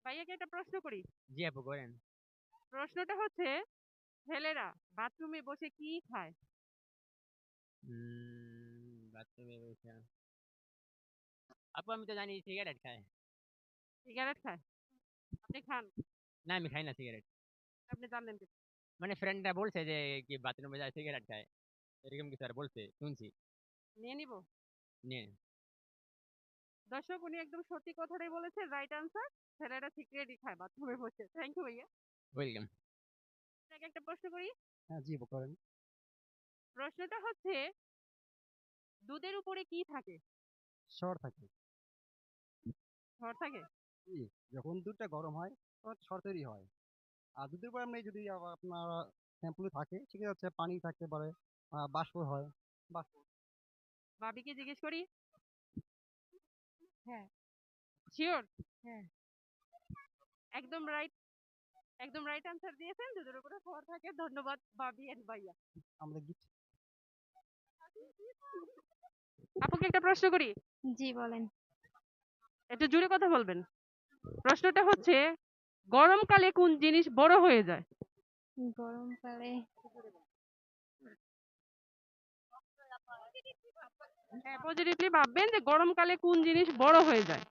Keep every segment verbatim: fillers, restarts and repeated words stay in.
ভাইয়াকে একটা প্রশ্ন করি। জি আপু করেন। প্রশ্নটা হচ্ছে ছেলেরা বাথরুমে বসে কি খায়? উম বাথরুমে বইসা আপু আমি তো জানি সিগারেট খায়। সিগারেট খায়? আপনি খান? না আমি খাই না সিগারেট। আপনি জানলেন কি? মানে ফ্রেন্ডরা বলছে যে কি বাথরুমে যায় সিগারেট খায়। এরকম কিছু আর বলছে শুনছি। নিয়ে নিব? নিয়ে দর্শক উনি একদম সত্যি কথাটাই বলেছে, রাইট আনসার। ছেলেরা সিগারেটই খায় বাথরুমে বসে। থ্যাংক ইউ ভাইয়া। ওয়েলকাম। আপনাকে একটা প্রশ্ন করি। হ্যাঁ, জি করেন। প্রশ্নটা হচ্ছে দুধের উপরে কি থাকে? সর থাকে। সর থাকে? জি, যখন দুধটা গরম হয় তখন সর তৈরি হয়। আর দুধের পরে এমনি যদি আবার আপনার শ্যাম্পু থাকে সেক্ষেত্রে হচ্ছে পানি থাকতে পারে, আ বাষ্প হয়। বাষ্প। ভাবিকে জিজ্ঞেস করি? হ্যাঁ। শিওর? হ্যাঁ। একদম রাইট একদম রাইট আনসার দিয়েছেন। দুধের উপরে সর থাকে। ধন্যবাদ ভাবি এন্ড ভাইয়া। আমরা গিফট আপুকে একটা প্রশ্ন করি। জি বলেন। একটু জোরে কথা বলবেন। প্রশ্নটা হচ্ছে গরমকালে কোন জিনিস বড় হয়ে যায়? গরমকালে হ্যাঁ, পজিটিভলি ভাববেন যে গরমকালে কোন জিনিস বড় হয়ে যায়।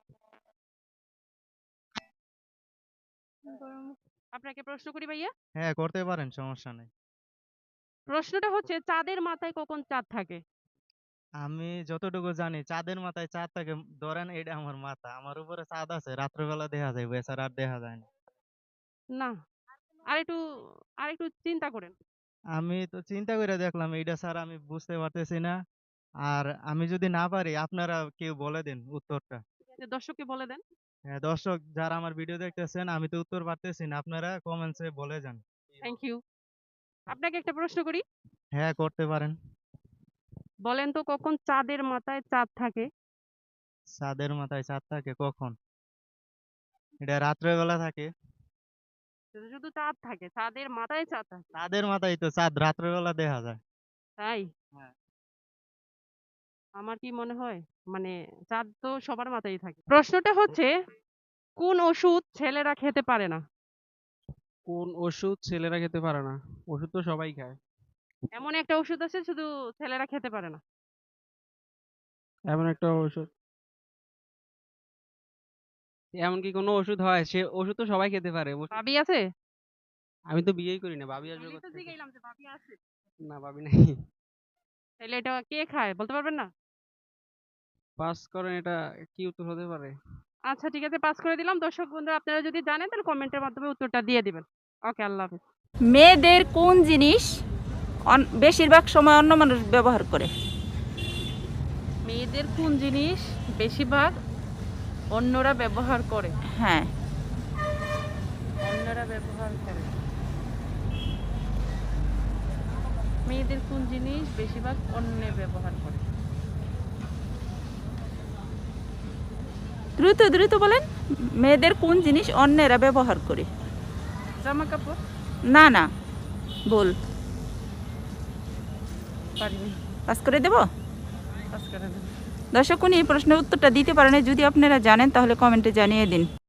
গরম আপনাকে প্রশ্ন করি ভাইয়া। হ্যাঁ, করতে পারেন, সমস্যা নেই। প্রশ্নটা হচ্ছে চাঁদের মাথায় কখন চাঁদ থাকে? আমি যতটুকু জানি চাঁদের মাথায় চাঁদ থাকে, ধরেন এটা আমার মাথা, আমার উপরে চাঁদ আছে, রাত্রেবেলা দেখা যায়, এছাড়া আর দেখা যায় না। না, আরেকটু আরেকটু চিন্তা করেন। আমি তো চিন্তা করে দেখলাম এইটা ছাড়া আমি বুঝতে পারতেছি না। আর আমি যদি না পারি আপনারা কেউ বলে দিন উত্তরটা। যে দর্শককে বলে দেন। হ্যাঁ, দর্শক যারা আমার ভিডিও দেখতেছেন, আমি তো উত্তর পারতেছি না, আপনারা কমেন্টসে বলে যান। Thank you. আপনাকে একটা প্রশ্ন করি। হ্যাঁ, করতে পারেন। বলেন তো কখন চাঁদের মাথায় চাঁদ থাকে? চাঁদের মাথায় চাঁদ থাকে কখন? এটা রাত্রেবেলা থাকে। শুধু শুধু চাঁদ থাকে, চাঁদের মাথায় চাঁদ থাকে। চাঁদের মাথায় তো চাঁদ রাত্রেবেলা দেখা যায়। তাই? হ্যাঁ। আমার কি মনে হয় মানে চাঁদ তো সবার মাথায় থাকে। প্রশ্নটা হচ্ছে কোন ওষুধ ছেলেরা খেতে পারে না? কোন ওষুধ ছেলেরা খেতে পারে না? ওষুধ তো সবাই খায়। এমন একটা ওষুধ আছে শুধু ছেলেরা খেতে পারে না। এমন একটা ওষুধ এমন কি কোনো ওষুধ হয়? সে ওষুধ তো সবাই খেতে পারে। ওষুধ ভাবি আছে? আমি তো বিয়েই করি না। ভাবি আসবে আমি তো কোত্থেকে? জিজ্ঞাইলাম যে ভাবি আছে। না ভাবি নাই। তাহলে এটা কে খায় বলতে পারবেন না? পাস করেন, এটা কি উত্তর হতে পারে? আচ্ছা ঠিক আছে, পাস করে দিলাম। দর্শক বন্ধুরা আপনারা যদি জানেন তাহলে কমেন্টের মাধ্যমে উত্তরটা দিয়ে দিবেন। ওকে, আল্লাহ হাফেজ। মেয়েদের কোন জিনিস অন- বেশিরভাগ সময় অন্য মানুষ ব্যবহার করে? মেয়েদের কোন জিনিস বেশিরভাগ অন্যরা ব্যবহার করে? হ্যাঁ, অন্যরা ব্যবহার করে। মেয়েদের কোন জিনিস বেশিরভাগ অন্য ব্যবহার করে? দ্রুত দ্রুত বলেন। মেয়েদের কোন জিনিস অন্যেরা ব্যবহার করে? জামা কাপড়? না না, বল। পারিনি। পাস করে দেব? পাস করে দেন। দর্শক, উনি এই প্রশ্নের উত্তরটা দিতে পারেন। যদি আপনারা জানেন তাহলে কমেন্টে জানিয়ে দিন।